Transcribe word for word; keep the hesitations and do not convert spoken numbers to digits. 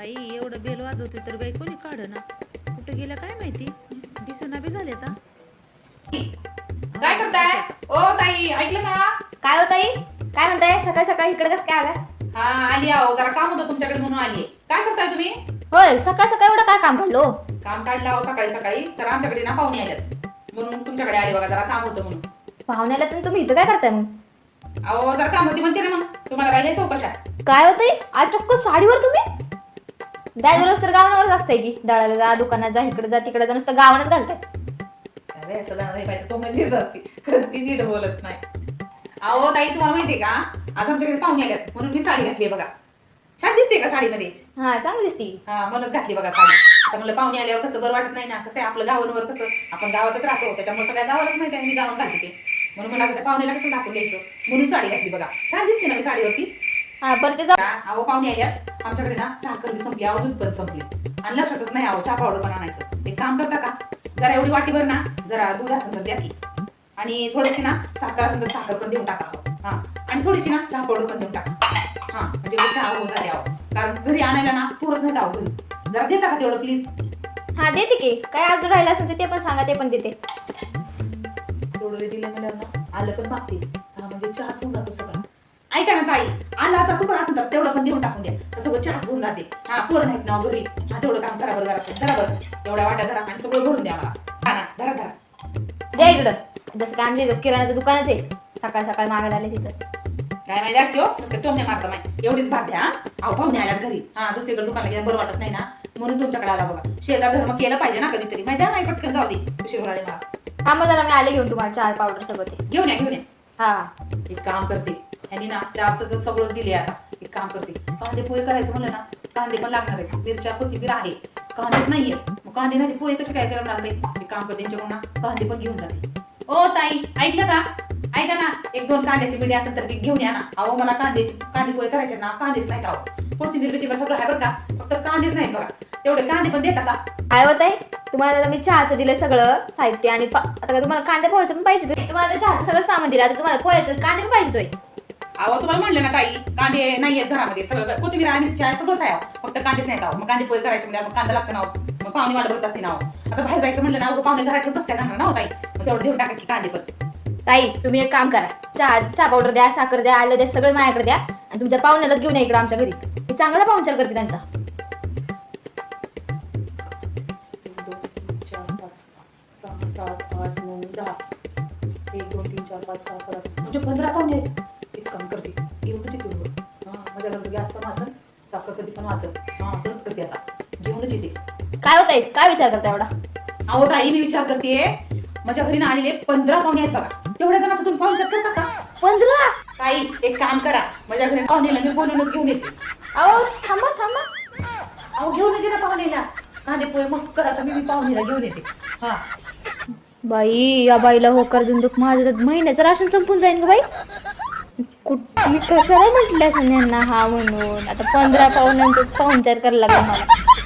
बाई एवढं बेल वाजवते तर बाई कोणी काढ ना, कुठे गेलं काय माहिती, दिसना बी झाले आता. काय करताय ओ ताई, ऐकलं का? काय हो ताई, काय म्हणताय सकाळी सकाळी इकडे कसं काय आला? हा आली आहो, जरा काम होतं तुमच्याकडे म्हणून आली. काय करताय तुम्ही? होय, सकाळ सकाळी एवढं काय काम काढलो? काम काढलं आहो सकाळी सकाळी, तर आमच्याकडे ना पाहुणे आल्यात म्हणून तुमच्याकडे आले बघा, जरा काम होतं म्हणून. पाहुण्याला तर तुम्ही इथं काय करताय मग? अहो जरा काम होती म्हणते ना, मग तुम्हाला काय घ्यायचं कशा? काय होतंय आज चक्क साडीवर तुम्ही? दररोज तर गावावरच असतंय की, दळायला जा, दुकानात जा, इकडे जा तिकडे जा, नुसतं गावानच घालताय. अरे असं जाणार नाही पाहिजे, कोंबडी दिसत असते कधी नीट बोलत नाही. अहो ताई तुम्हाला माहितीये का, आज आमच्याकडे पाहुणे आल्यात म्हणून मी साडी घातली बघा. छान दिसते का साडीमध्ये? हा चांगली दिसती. हा म्हणूनच घातली बघा साडी. आता म्हणलं पाहुणे आल्यावर कसं बरं वाटत नाही ना, कसं आहे आपलं गावांवर, कसं आपण गावातच राहतो त्याच्यामुळे सगळ्या गावालाच माहिती आहे मी गावात घालते ते, म्हणून मला त्या पाहुण्याला कसं दाखवून द्यायचं म्हणून साडी घातली बघा. छान दिसते ना मी साडीवरती. हा पण ते जा- अहो पाहुणे आल्यात आमच्याकडे ना, साखर बी संपली, अहो दूध पण संपली आणि लक्षातच नाही अहो चहा पावडर पण आणायचं. एक काम करता का, जरा एवढी वाटीभर ना जरा दूध असेल तर द्या की, आणि थोडीशी ना साखर असेल तर साखर पण देऊन टाका. हा आणि थोडीशी ना चहा पावडर पण देऊन टाका. हा म्हणजे चहा हो झाली अहो, कारण घरी आणायला ना पुरच नाही अहो घरी. जरा देता का तेवढं प्लीज? हा देते की, काय आज राहिलं असेल तर ते पण सांगा, ते पण देते. तेवढं दिलं मला ना, आलं पण मागते. हा म्हणजे चहाच होऊन जातो सगळं. ऐका ना ताई, आलाचा तुकडा असेल तर तेवढं पण देऊन टाकून द्या, तर सगळं चहाच होऊन जाते. हा पोरं नाहीत ना घरी, हा तेवढं काम करा बरं जरा असं धरा बरं, एवढ्या वाट्या धरा आणि सगळं भरून द्या मला. हा ना धरा धरा. द्या इकडं. जसं काय आमच्या किराणाचं दुकानच आहे, सकाळ सकाळ मागायला आले तिथं. काय माहिती आहे किंवा नुसतं टोमणे मारता माहिती, एवढीच भात द्या. अहो पाहुणे आल्यात घरी, हा दुसरीकडे दुकानाला गेला बरं वाटत नाही ना, म्हणून तुमच्याकडे आला बघा. शेजार धर्म केलं पाहिजे ना कधीतरी, माहिती आहे नाही पटकन जाऊ दे उशीर आले मला. हा मग जरा मी आले घेऊन तुम्हाला चहा पावडर सगळं ते. घेऊन या घेऊन या. हा एक काम करते, यांनी ना चहाचं सगळंच दिले. आता एक काम करते, कांदे पोहे करायचं म्हणलं ना, कांदे पण लागणार आहेत, मिरच्या कोथिंबीर आहे, कांदेच नाहीये, मग कांदे नाही पोहे कसे काय करणार नाही. एक काम करते, त्यांच्याकडून ना कांदे पण घेऊन जाते. ओ ताई ऐकलं का, ऐका ना, एक दोन कांद्याची बिडी असेल तर घेऊन या ना. अहो मला कांद्याची कांदे पोहे करायचे ना, कांदेच नाहीत अहो. कोथिंबीर बिथिंबीर सगळं आहे बरं का, फक्त कांदेच नाहीत बघा. तेवढे कांदे पण देता का? काय होत आहे तुम्हाला? आता मी चहाचं दिलंय सगळं साहित्य, आणि पा- आता काय तुम्हाला कांदे पोहायचं पण पाहिजे? तुम्हाला चहाचं सगळं सामान दिलं, आता तुम्हाला पोहायचं कांदे पण पाहिजे तोय. अहो तुम्हाला म्हणलं ना ताई, कांदे नाहीयेत घरामध्ये, सगळं कोथिंबीर आणि मिरच्या सगळंच आहे, फक्त कांदेच नाहीत अहो. मग कांदे पोहे करायचे म्हणजे मग कांदा लागतं ना, मग पाहुणे वाट बघत असते ना. आता बाहेर जायचं म्हणलं ना, पाहुणे घरात बस काय जाणार ना हो ताई, मग तेवढं देऊन टाका की कांदे पण. ताई तुम्ही एक काम करा, चहा चहा पावडर द्या, साखर द्या, आलं द्या, सगळं माझ्याकडे द्या, आणि तुमच्या पाहुण्याला घेऊन या इकडे आमच्या घरी. मी चांगला पाहुणचार करते त्यांचा. एक दोन तीन चार पाच सहा सात आठ नऊ दहा, एक दोन तीन चार पाच सहा सात म्हणजे पंधरा पाहुणे आहेत. एक काम करते, घेऊनच येते बघ. हा माझ्या घरचं गॅस पण वाचन, साखर कधी पण वाचन. हा तसंच करते, आता घेऊनच येते. काय होत आहे, काय विचार करता एवढा? अहो ताई मी विचार करते, माझ्या घरी ना आलेले पंधरा पाहुणे आहेत बघा. तेवढ्या जणांचा तुम्ही पाहुणचार करता का? पंधरा? ताई एक काम करा, माझ्या घरी पाहुणेला मी बोलूनच घेऊन येते. अहो थांबा थांबा. अहो घेऊन येते ना पाहुणेला, कांदे पोहे मस्त करा, तर मी मी पाहुणेला घेऊन येते. हा बाई या बाईला होकार देऊन दुख, माझं तर महिन्याचं राशन संपून जाईन ग बाई. कुठ मी कशाला म्हटलं असं यांना हा म्हणून, आता पंधरा पाहुण्यांचं पाहुणचार करायला लागला मला.